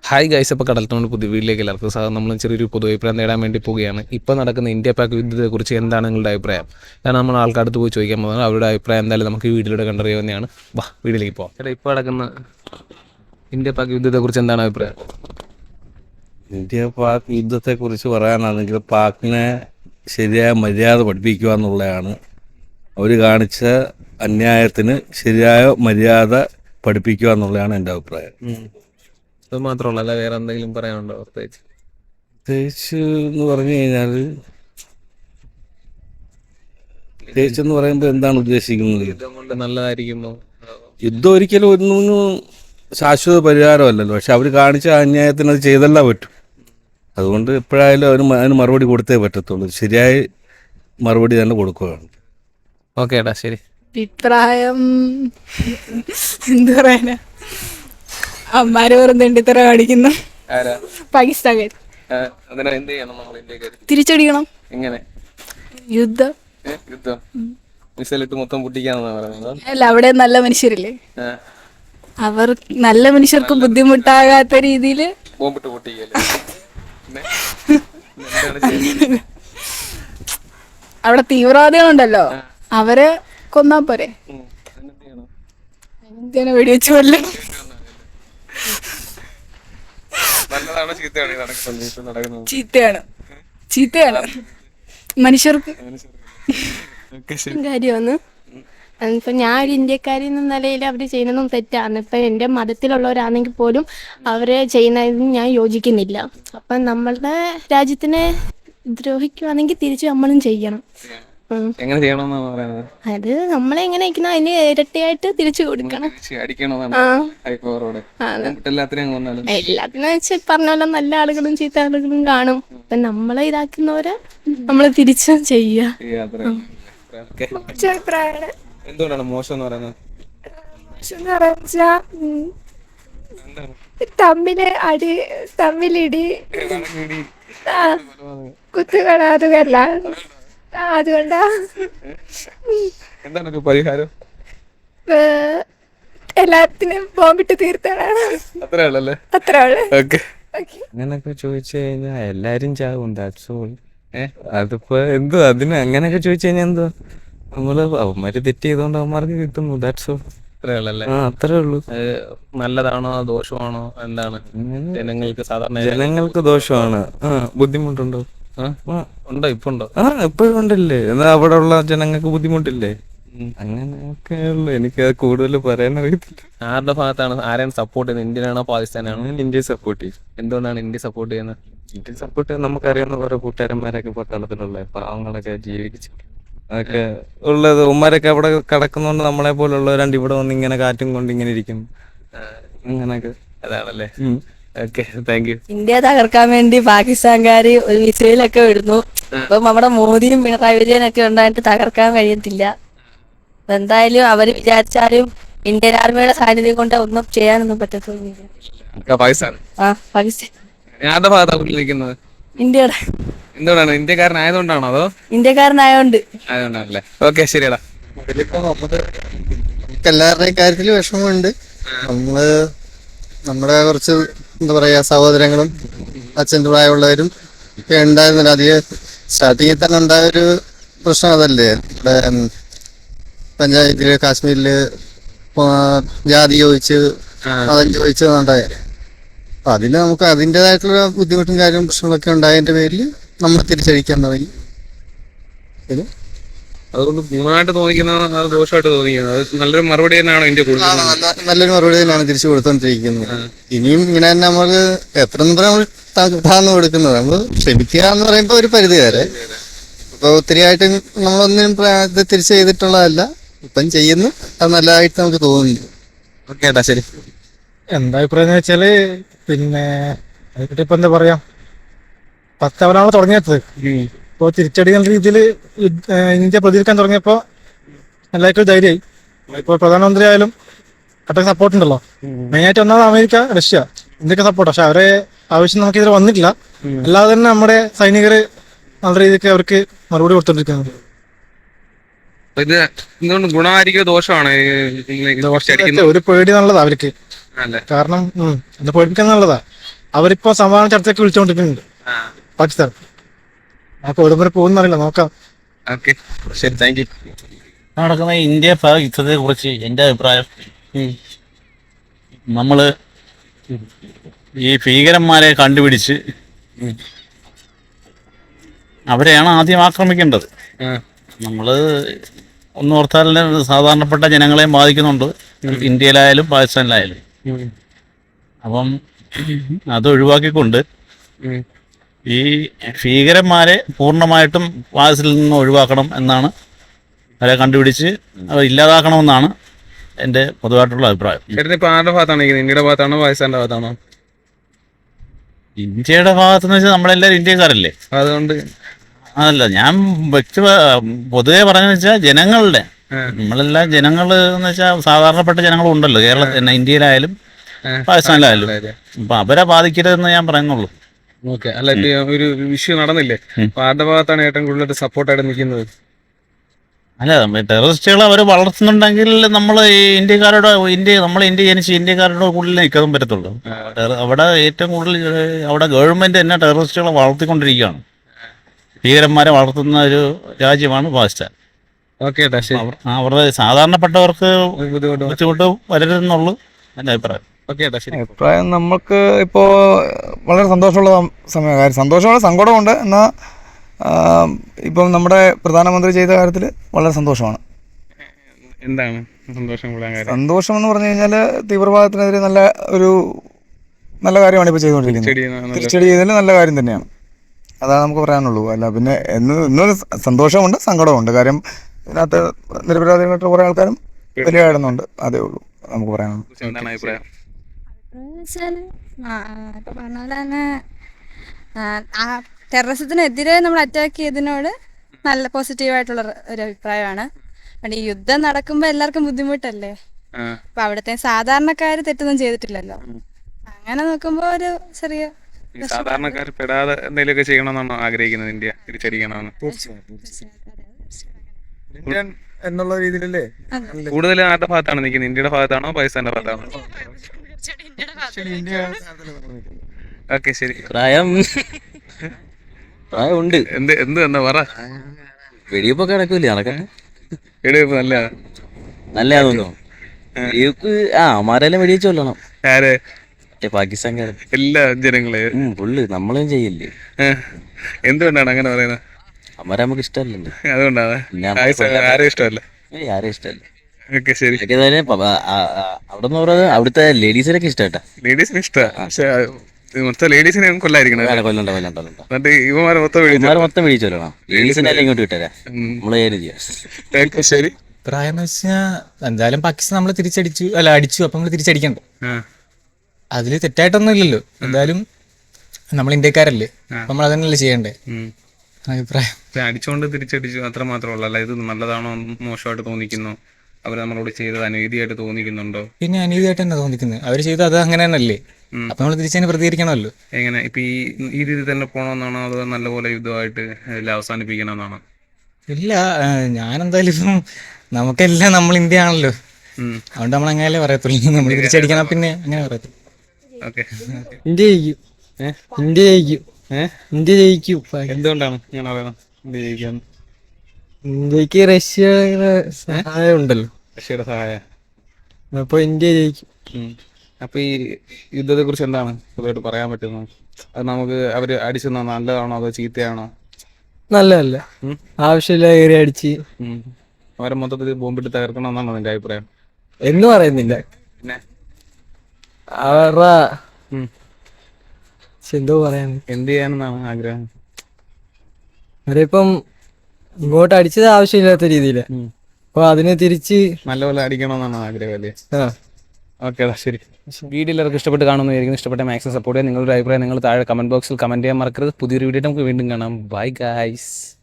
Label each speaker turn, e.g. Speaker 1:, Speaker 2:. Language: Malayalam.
Speaker 1: ഹായ് ഗൈസ്, ഇപ്പോൾ കടൽത്തോണ്ട് പുതിയ വീട്ടിലേക്ക് എല്ലാവർക്കും സാർ നമ്മൾ ചെറിയൊരു പൊതു അഭിപ്രായം നേടാൻ വേണ്ടി പോവുകയാണ്. ഇപ്പോൾ നടക്കുന്ന ഇന്ത്യ പാക് യുദ്ധത്തെക്കുറിച്ച് എന്താണ് നിങ്ങളുടെ അഭിപ്രായം? കാരണം നമ്മൾ ആൾക്കടുത്ത് പോയി ചോദിക്കാൻ പോകുന്നത് അവരുടെ അഭിപ്രായം എന്തായാലും നമുക്ക് ഈ വീഡിയോയിലൂടെ കണ്ടറിയാവുന്നതാണ്. വാ വീട്ടിലേക്ക് പോകാം. ചേട്ടാ, ഇപ്പോൾ നടക്കുന്ന ഇന്ത്യ പാക് യുദ്ധത്തെക്കുറിച്ച് എന്താണ് അഭിപ്രായം?
Speaker 2: ഇന്ത്യ പാക് യുദ്ധത്തെക്കുറിച്ച് പറയാനാണെങ്കിൽ പാക്കിനെ ശരിയായ മര്യാദ പഠിപ്പിക്കുക എന്നുള്ളതാണ്. അവർ കാണിച്ച അന്യായത്തിന് ശരിയായ മര്യാദ പഠിപ്പിക്കുക എന്നുള്ളതാണ് എൻ്റെ അഭിപ്രായം.
Speaker 1: അത് മാത്രമല്ല, അല്ല വേറെ എന്തെങ്കിലും പറയാനുണ്ടോ പ്രത്യേകിച്ച്?
Speaker 2: പ്രത്യേകിച്ച് എന്ന് പറഞ്ഞു കഴിഞ്ഞാൽ പ്രത്യേകിച്ച് എന്ന് പറയുമ്പോൾ എന്താണ് ഉദ്ദേശിക്കുന്നത്?
Speaker 1: യുദ്ധം കൊണ്ട് നല്ലതായിരിക്കുമോ?
Speaker 2: യുദ്ധം ഒരിക്കലും ഒന്നും ശാശ്വത പരിഹാരമല്ലല്ലോ. പക്ഷെ അവർ കാണിച്ച അന്യായത്തിന് അത് ചെയ്തല്ല പറ്റും. അതുകൊണ്ട് എപ്പോഴായാലും അതിന് മറുപടി കൊടുത്തേ പറ്റത്തുള്ളൂ. ശരിയായ മറുപടി തന്നെ കൊടുക്കുകയാണ്.
Speaker 1: ഓക്കെ ഏട്ടാ, ശരി.
Speaker 3: അഭിപ്രായം എന്താ പറയാനാ, അമ്മാര് വെറും തെണ്ടിത്തറ കാണിക്കുന്നു. പാകിസ്ഥാൻകാർ
Speaker 1: എന്ത് ചെയ്യണം നമ്മൾ ഇന്ത്യക്കാർ?
Speaker 3: തിരിച്ചടിക്കണം.
Speaker 1: എങ്ങനെ?
Speaker 3: യുദ്ധം
Speaker 1: യുദ്ധം മിസൈലിട്ട് മൊത്തം പൊട്ടിക്കാന്നാ പറയുന്നത്?
Speaker 3: അല്ല, അവിടെ നല്ല മനുഷ്യരില്ലേ, അവർ നല്ല മനുഷ്യർക്ക് ബുദ്ധിമുട്ടാകാത്ത രീതിയിൽ
Speaker 1: ബോംബിട്ട് പൊട്ടിക്കല്ലേ?
Speaker 3: അവിടെ തീവ്രവാദികളുണ്ടല്ലോ, അവരെ കൊന്നാ പോരെ? എന്തിനാ വെടിവെച്ച് കൊല്ലും? ചീത്തയാണ്, ചീത്തയാണ് മനുഷ്യർക്ക്.
Speaker 4: കാര്യമാണ്. ഇപ്പൊ ഞാൻ ഒരു ഇന്ത്യക്കാരി എന്ന നിലയിൽ അവർ ചെയ്യുന്നതും തെറ്റാണ്. ഇപ്പൊ എന്റെ മതത്തിലുള്ളവരാണെങ്കിൽ പോലും അവരെ ചെയ്യുന്നതിന് ഞാൻ യോജിക്കുന്നില്ല. അപ്പൊ നമ്മളുടെ രാജ്യത്തിനെ ദ്രോഹിക്കുവാണെങ്കിൽ തിരിച്ചു നമ്മളും ചെയ്യണം.
Speaker 1: എങ്ങനെ ചെയ്യണമെന്നാണ് പറയുന്നത്?
Speaker 4: അത് നമ്മളെ എങ്ങനെ അയക്കണം അതിന് ഇരട്ടിയായിട്ട് തിരിച്ചു കൊടുക്കണം. എല്ലാത്തിനും വെച്ച് പറഞ്ഞ പോലെ നല്ല ആളുകളും ചീത്ത ആളുകളും കാണും. അപ്പൊ നമ്മളെ ഇതാക്കുന്നവരെ നമ്മള് തിരിച്ചും ചെയ്യുക.
Speaker 1: എന്തുകൊണ്ടാണ് മോശം എന്ന് പറയുന്നത്?
Speaker 5: തമ്മിലിടി കുത്തുകള അതുകല്ല, അതുകൊണ്ടാ.
Speaker 1: എന്താണ് ഒരു പരിഹാരം?
Speaker 5: എല്ലാത്തിനും ബോംബിട്ട് തീർത്താണ്.
Speaker 1: അത്രേ ഉള്ളല്ലേ?
Speaker 5: അത്രേ ഉള്ളു.
Speaker 6: അങ്ങനൊക്കെ ചോദിച്ചു കഴിഞ്ഞാൽ എല്ലാരും ചാവും. അതിപ്പോ എന്തോ അതിന് അങ്ങനെയൊക്കെ ചോദിച്ചു കഴിഞ്ഞാൽ എന്തോ നമ്മള് അവന്മാര് തെറ്റ് ചെയ്തോണ്ട് അവന്മാർക്ക് കിട്ടുന്നു. That's all.
Speaker 1: അത്രേ ഉള്ളല്ലേ?
Speaker 6: അത്രേ ഉള്ളൂ.
Speaker 1: നല്ലതാണോ ദോഷമാണോ എന്താണ്? ജനങ്ങൾക്ക് സാധാരണ
Speaker 6: ജനങ്ങൾക്ക് ദോഷമാണ്. ബുദ്ധിമുട്ടുണ്ടോ?
Speaker 1: ഉണ്ടോ? ഇപ്പൊ ഉണ്ടോ?
Speaker 6: എപ്പോഴും ഉണ്ടല്ലേ. എന്നാ അവിടെ ഉള്ള ജനങ്ങൾക്ക് ബുദ്ധിമുട്ടില്ലേ? അങ്ങനെയൊക്കെ ഉള്ളു. എനിക്ക് കൂടുതൽ പറയാൻ അറിയത്തില്ല.
Speaker 1: ആരുടെ ഭാഗത്താണ്, ആരെയാണ് സപ്പോർട്ട് ചെയ്യുന്നത്? ഇന്ത്യനാണോ പാകിസ്ഥാനാണോ?
Speaker 6: ഞാൻ ഇന്ത്യയെ സപ്പോർട്ട് ചെയ്യും.
Speaker 1: എന്തുകൊണ്ടാണ് ഇന്ത്യ സപ്പോർട്ട് ചെയ്യുന്നത്?
Speaker 6: ഇന്ത്യ സപ്പോർട്ട് ചെയ്യാൻ നമുക്കറിയാവുന്ന കുറെ കൂട്ടുകാരന്മാരൊക്കെ പട്ടാളത്തിലുള്ള പാവങ്ങളൊക്കെ ജീവിച്ച് അതൊക്കെ ഉള്ളത്. ഉമ്മാരൊക്കെ അവിടെ കിടക്കുന്നോണ്ട് നമ്മളെ പോലുള്ളവരാണ്ട് ഇവിടെ വന്ന് ഇങ്ങനെ കാറ്റും കൊണ്ട് ഇങ്ങനെ ഇരിക്കും. അങ്ങനൊക്കെ
Speaker 1: അതാണല്ലേ? Okay, thank you.
Speaker 3: ഇന്ത്യ തകർക്കാൻ വേണ്ടി പാകിസ്ഥാൻകാര് ഒരു മിസൈലൊക്കെ വിടുന്നു. ഇപ്പം നമ്മുടെ മോദിയും പിണറായി വിജയനൊക്കെ ഉണ്ടായിട്ട് തകർക്കാൻ കഴിയത്തില്ല. എന്തായാലും അവര് വിചാരിച്ചാലും ഇന്ത്യൻ ആർമിയുടെ സാന്നിധ്യം കൊണ്ട് ഒന്നും ചെയ്യാനൊന്നും പറ്റത്തൊന്നുമില്ല.
Speaker 1: പാകിസ്ഥാൻ
Speaker 3: പാകിസ്ഥാൻ
Speaker 1: ആരുടെ ഭാഗത്താണ് നിൽക്കുന്നത്?
Speaker 3: ഇന്ത്യയുടെ.
Speaker 1: എന്തുകൊണ്ടാണ്? ഇന്ത്യക്കാരനായതുകൊണ്ടാണോ അതോ
Speaker 3: ഇന്ത്യക്കാരനായോണ്ട്?
Speaker 1: ആയതുകൊണ്ടാണല്ലേ? ഓക്കെ, ശരിയടാ.
Speaker 7: നമുക്ക് എല്ലാവരുടെയും കാര്യത്തിൽ വിഷമമുണ്ട്. നമ്മുടെ കുറച്ച് എന്താ പറയാ സഹോദരങ്ങളും അച്ഛൻ്റെ പ്രായമുള്ളവരും ഒക്കെ ഉണ്ടായിരുന്നില്ല. അധികം സ്റ്റാർട്ടിങ്ങിൽ തന്നെ ഉണ്ടായൊരു പ്രശ്നം അതല്ലേ, ഇവിടെ പഞ്ചായത്തില് കാശ്മീരില് ജാതി ചോദിച്ച് മതം ചോദിച്ചതുണ്ടായ. അപ്പൊ അതിന് നമുക്ക് അതിൻ്റെതായിട്ടുള്ള ബുദ്ധിമുട്ടും കാര്യവും പ്രശ്നങ്ങളൊക്കെ ഉണ്ടായതിന്റെ പേരിൽ നമ്മൾ തിരിച്ചടിക്കാൻ തുടങ്ങി.
Speaker 1: അതുകൊണ്ട് ഗുണമായിട്ട് തോന്നിക്കുന്നത് ദോഷമായിട്ട് തോന്നിക്കുന്നത് നല്ലൊരു മറുപടി തന്നെയാണോ ഇന്ത്യ കൊടുക്കുന്നത്?
Speaker 7: നല്ലൊരു മറുപടി തന്നെയാണ് തിരിച്ചു കൊടുത്തോണ്ടിരിക്കുന്നത്. ഇനിയും ഇങ്ങനെ തന്നെ നമ്മള് എത്ര നമ്മൾ താഴ്ന്നു കൊടുക്കുന്നത്. നമ്മൾ ക്ഷമിക്കുക എന്ന് പറയുമ്പോൾ ഒരു പരിധി വരെ. ഇപ്പൊ ഒത്തിരിയായിട്ട് നമ്മളൊന്നും തിരിച്ചു ചെയ്തിട്ടുള്ളതല്ല, ഇപ്പം ചെയ്യുന്നു. അത് നല്ലതായിട്ട് നമുക്ക് തോന്നുന്നു.
Speaker 1: ഓക്കെ ഏട്ടാ, ശരി.
Speaker 8: എന്താ അഭിപ്രായം എന്ന് വെച്ചാല്, പിന്നെ അതിപ്പറ്റി ഇപ്പൊ എന്താ പറയാ, 10 അവനാണ് തുടങ്ങിയത്. ഇപ്പോൾ തിരിച്ചടിക്കുന്ന രീതിയിൽ ഇന്ത്യ പ്രതികരിക്കാൻ തുടങ്ങിയപ്പോ എല്ലാവർക്കും ധൈര്യമായി. ഇപ്പോൾ പ്രധാനമന്ത്രി ആയാലും അത്രയ്ക്ക് സപ്പോർട്ട് ഉണ്ടല്ലോ. മെയിനായിട്ട് ഒന്നാമത് അമേരിക്ക, റഷ്യ, ഇന്ത്യക്ക് സപ്പോർട്ട്. പക്ഷെ അവരെ ആവശ്യം നമുക്ക് ഇതിൽ വന്നിട്ടില്ല. അല്ലാതെ തന്നെ നമ്മുടെ സൈനികര് നല്ല രീതിക്ക് അവർക്ക് മറുപടി കൊടുത്തോണ്ടിരിക്കുന്നത്.
Speaker 1: ഇത് എന്തുകൊണ്ട് ഗുണമായിരിക്കും ദോഷമാണ്?
Speaker 8: ഒരു പേടി നല്ലതാ അവർക്ക്. കാരണം പേടിപ്പിക്കാൻ നല്ലതാ. അവരിപ്പോ സമാധാന ചർച്ചയ്ക്ക് വിളിച്ചുകൊണ്ടിരിക്കുന്നുണ്ട് പാകിസ്ഥാൻ. അപ്പൊ എവിടെ വരെ പോകുന്നറിയില്ല, നോക്കാം.
Speaker 1: ഓക്കെ ശരി, താങ്ക് യു.
Speaker 9: നടക്കുന്ന ഇന്ത്യ പാക് യുദ്ധത്തെ കുറിച്ച് എൻ്റെ അഭിപ്രായം, നമ്മള് ഈ ഭീകരന്മാരെ കണ്ടുപിടിച്ച് അവരെയാണ് ആദ്യം ആക്രമിക്കേണ്ടത്. നമ്മള് ഒന്നോർത്താൽ സാധാരണപ്പെട്ട ജനങ്ങളെയും ബാധിക്കുന്നുണ്ട്, ഇന്ത്യയിലായാലും പാകിസ്ഥാനിലായാലും. അപ്പം അത് ഒഴിവാക്കിക്കൊണ്ട് ഈ ഭീകരന്മാരെ പൂർണ്ണമായിട്ടും പാകിസ്ഥാനിൽ നിന്ന് ഒഴിവാക്കണം എന്നാണ്, അവരെ കണ്ടുപിടിച്ച് അവർ ഇല്ലാതാക്കണമെന്നാണ് എൻ്റെ പൊതുവായിട്ടുള്ള അഭിപ്രായം.
Speaker 1: ചേട്ടൻ ഇപ്പൊ ആരുടെ ഭാഗത്താണ് ഇരിക്കുന്നത്? ഇന്ത്യയുടെ ഭാഗത്താണോ പാകിസ്ഥാന്റെ ഭാഗത്താണോ?
Speaker 9: ഇന്ത്യയുടെ ഭാഗത്തെന്ന് വെച്ചാൽ നമ്മളെല്ലാവരും ഇന്ത്യക്കാരല്ലേ,
Speaker 1: അതുകൊണ്ട്
Speaker 9: അതല്ല ഞാൻ പൊതുവെ പറഞ്ഞെന്ന് വെച്ചാൽ ജനങ്ങളുടെ, നമ്മളെല്ലാം ജനങ്ങൾ എന്ന് വെച്ചാൽ സാധാരണപ്പെട്ട ജനങ്ങളും ഉണ്ടല്ലോ കേരളത്തിൽ, ഇന്ത്യയിലായാലും പാകിസ്ഥാനിലായാലും. അപ്പൊ അവരെ ബാധിക്കരുതെന്ന് ഞാൻ പറയുന്നുള്ളൂ.
Speaker 1: ഓക്കെ. അല്ല, ഇപ്പൊ ഒരു ഇഷ്യൂ നടന്നില്ലേ, അപ്പൊ ആരുടെ ഭാഗത്താണ് ഏറ്റവും കൂടുതൽ സപ്പോർട്ടായിട്ട് നിൽക്കുന്നത്?
Speaker 9: അല്ല, ടെററിസ്റ്റുകൾ അവർ വളർത്തുന്നുണ്ടെങ്കിൽ നമ്മൾ ഈ ഇന്ത്യക്കാരോട് നമ്മൾ ഇന്ത്യ ജനിച്ച് ഇന്ത്യക്കാരുടെ കൂടുതൽ നിൽക്കാൻ പറ്റത്തുള്ളൂ. അവിടെ ഏറ്റവും കൂടുതൽ അവിടെ ഗവൺമെന്റ് തന്നെ ടെററിസ്റ്റുകളെ വളർത്തിക്കൊണ്ടിരിക്കുകയാണ്. ഭീകരന്മാരെ വളർത്തുന്ന ഒരു രാജ്യമാണ് പാകിസ്ഥാൻ.
Speaker 1: ഓക്കെ ഏട്ടാ, ശരി.
Speaker 9: അവരുടെ സാധാരണപ്പെട്ടവർക്ക് ബുദ്ധിമുട്ട് വരരുതെന്നുള്ളൂ എൻ്റെ അഭിപ്രായം.
Speaker 1: ഓക്കെ ഏട്ടാ, ശരി.
Speaker 10: അഭിപ്രായം നമുക്ക് ഇപ്പോൾ വളരെ സന്തോഷമുള്ള സമയം, കാര്യം സന്തോഷമുള്ള സങ്കടമുണ്ട്. എന്നാൽ ഇപ്പം നമ്മുടെ പ്രധാനമന്ത്രി ചെയ്ത കാര്യത്തിൽ വളരെ സന്തോഷമാണ്.
Speaker 1: എന്താണ് സന്തോഷം കൂടാൻ കാര്യം?
Speaker 10: സന്തോഷം എന്ന് പറഞ്ഞു കഴിഞ്ഞാൽ തീവ്രവാദത്തിനെതിരെ നല്ല കാര്യമാണ് ഇപ്പോൾ ചെയ്തുകൊണ്ടിരിക്കുന്നത്. തിരിച്ചടി ചെയ്തതിൽ നല്ല കാര്യം തന്നെയാണ്. അതാണ് നമുക്ക് പറയാനുള്ളൂ. അല്ല പിന്നെ ഇന്ന് സന്തോഷമുണ്ട്, സങ്കടമുണ്ട്. കാര്യം ഇതിനകത്ത് നിരപരാധികളായിട്ട് കുറേ ആൾക്കാരും ബലിയാടുന്നുണ്ട്. അതേ ഉള്ളൂ നമുക്ക് പറയാനുള്ളൂ.
Speaker 1: എന്താണ് അഭിപ്രായം?
Speaker 5: ഇപ്പൊ പറഞ്ഞ പോലെ തന്നെ ടെററിസത്തിനെതിരെ നമ്മൾ അറ്റാക്ക് ചെയ്തതിനോട് നല്ല പോസിറ്റീവായിട്ടുള്ള ഒരു അഭിപ്രായമാണ്. ഈ യുദ്ധം നടക്കുമ്പോൾ എല്ലാവർക്കും ബുദ്ധിമുട്ടല്ലേ, അപ്പൊ അവിടുത്തെ സാധാരണക്കാര് തെറ്റൊന്നും ചെയ്തിട്ടില്ലല്ലോ. അങ്ങനെ നോക്കുമ്പോ ഒരു ചെറിയ
Speaker 1: സാധാരണക്കാർ പെടാതെ എന്തെങ്കിലുമൊക്കെ ചെയ്യണമെന്നാണോ ആഗ്രഹിക്കുന്നത്? ഇന്ത്യ തിരിച്ചടിക്കണമെന്ന്
Speaker 10: ഇന്ത്യൻ എന്നുള്ള രീതിയിലല്ലേ
Speaker 1: കൂടുതൽ ആരുടെ ഭാഗത്താണ് നിൽക്കുന്നത്? ഇന്ത്യയുടെ ഭാഗത്താണോ പാകിസ്ഥാന്റെ ഭാഗത്താണോ? ഓക്കെ, ശരി.
Speaker 6: പ്രായമുണ്ട്.
Speaker 1: എന്ത് എന്നാ പറ.
Speaker 6: വെടിവെപ്പൊക്കെ നടക്കൂലേ? നടക്കാൻ
Speaker 1: വെടിവെപ്പ്
Speaker 6: നല്ലതാണോ? വെടിവെപ്പ് അമാരെല്ലാം വെടിവെച്ച് കൊല്ലണം.
Speaker 1: ആരെ?
Speaker 6: പാകിസ്ഥാൻകാരൻ
Speaker 1: എല്ലാ ജനങ്ങളെ
Speaker 6: പുള്ളി നമ്മളും ചെയ്യില്ലേ?
Speaker 1: എന്തുകൊണ്ടാണ് അങ്ങനെ പറയുന്നത്?
Speaker 6: അമാരെ നമുക്ക് ഇഷ്ടമല്ലല്ലോ.
Speaker 1: അതുകൊണ്ടാണ് ആരും ഇഷ്ടമല്ല.
Speaker 6: ആരും ഇഷ്ടമല്ല.
Speaker 1: ഓക്കെ, ശരി.
Speaker 6: അവിടെ പറയുന്നത് അവിടുത്തെ ലേഡീസിനൊക്കെ ഇഷ്ടമായിട്ടാ.
Speaker 1: ലേഡീസിന് ഇഷ്ടമാണ്, പക്ഷെ മൊത്തം ലേഡീസിനെ കൊല്ലായിരിക്കണം. എന്നിട്ട് ഇവന്മാരെ മൊത്തം
Speaker 6: മേടിച്ചോളാം. ലേഡീസിനെല്ലാം ഇങ്ങോട്ട് വിട്ടരാ, നമ്മള് ചെയ്യാം.
Speaker 1: ശരി.
Speaker 11: പ്രായം എന്ന് വെച്ചാൽ എന്തായാലും പാകിസ്ഥാൻ നമ്മൾ അടിച്ചു, അപ്പൊ നമ്മൾ തിരിച്ചടിക്കണ്ടേ? അതില് തെറ്റായിട്ടൊന്നും ഇല്ലല്ലോ. എന്തായാലും നമ്മൾ ഇന്ത്യക്കാരല്ലേ, നമ്മൾ അതന്നെയല്ലേ ചെയ്യണ്ടേ? അഭിപ്രായം
Speaker 1: അടിച്ചുകൊണ്ട് തിരിച്ചടിച്ചു അത്ര മാത്രമല്ല. അല്ല, ഇത് നല്ലതാണോ മോശമായിട്ട് തോന്നിക്കുന്നു? അവർ നമ്മളോട് ചെയ്തത് അനീതിയായിട്ട് തോന്നിക്കുന്നുണ്ടോ?
Speaker 11: പിന്നെ അനീതിയായിട്ട് തന്നെ തോന്നിക്കുന്നത്. അവർ ചെയ്തത് അത് അങ്ങനെ തന്നെയല്ലേ, അപ്പൊ നമ്മൾ തിരിച്ചതിന് പ്രതികരിക്കണമല്ലോ.
Speaker 1: എങ്ങനെ ഇപ്പൊ ഈ രീതി തന്നെ പോകണമെന്നാണോ, അതോ നല്ലപോലെ യുദ്ധമായിട്ട് അവസാനിപ്പിക്കണമെന്നാണോ?
Speaker 11: ഇല്ല, ഞാനെന്തായാലും ഇപ്പം നമുക്കെല്ലാം നമ്മൾ ഇന്ത്യ ആണല്ലോ, അതുകൊണ്ട് നമ്മൾ അങ്ങനെയല്ലേ പറയത്തുള്ളൂ. നമ്മൾ തിരിച്ചടിക്കണം, പിന്നെ അങ്ങനെ പറയത്തുള്ളൂ.
Speaker 1: ഓക്കെ.
Speaker 11: ഇന്ത്യ ജയിക്കും, ഇന്ത്യ ജയിക്കും, ഇന്ത്യ ജയിക്കും.
Speaker 1: എന്തുകൊണ്ടാണ് ഞാൻ പറയുന്നത് ഇന്ത്യ ജയിക്കാൻ?
Speaker 11: ഇന്ത്യക്ക് റഷ്യയുടെ സഹായം ഉണ്ടല്ലോ,
Speaker 1: റഷ്യയുടെ സഹായം.
Speaker 11: അപ്പൊ ഇന്ത്യ ജയിക്കും.
Speaker 1: അപ്പൊ ഈ യുദ്ധത്തെ കുറിച്ച് എന്താണ് പൊതുവായിട്ട് പറയാൻ പറ്റുന്നത്? അത് നമുക്ക് അവര് അടിച്ചത് നല്ലതാണോ അതോ ചീത്തയാണോ?
Speaker 11: നല്ലതല്ല, ആവശ്യമില്ല ഏരിയ അടിച്ച്
Speaker 1: അവരെ മൊത്തത്തിൽ ബോംബിട്ട് തകർക്കണമെന്നാണോ നിന്റെ അഭിപ്രായം?
Speaker 11: എന്ന് പറയുന്നില്ല,
Speaker 1: പിന്നെ
Speaker 11: അവരുടെ എന്തോ പറയാൻ,
Speaker 1: എന്ത് ചെയ്യാനെന്നാണ് ആഗ്രഹം?
Speaker 11: അവരിപ്പം ഇങ്ങോട്ട് അടിച്ചത് ആവശ്യമില്ലാത്ത രീതിയില്, അപ്പൊ അതിനെ തിരിച്ച്
Speaker 1: നല്ലപോലെ അടിക്കണമെന്നാണ് ആഗ്രഹം അല്ലേ? ഓക്കെ, ശരി. വീഡിയോ എല്ലാവർക്കും ഇഷ്ടപ്പെട്ട് കാണുന്നതായിരിക്കും. ഇഷ്ടപ്പെട്ട മാക്സിമം സപ്പോർട്ട് ചെയ്യാൻ നിങ്ങളുടെ അഭിപ്രായം നിങ്ങൾ താഴെ കമന്റ് ബോക്സിൽ കമന്റ് ചെയ്യാൻ മറക്കരുത്. പുതിയൊരു വീഡിയോ നമുക്ക് വീണ്ടും കാണാം. Bye guys.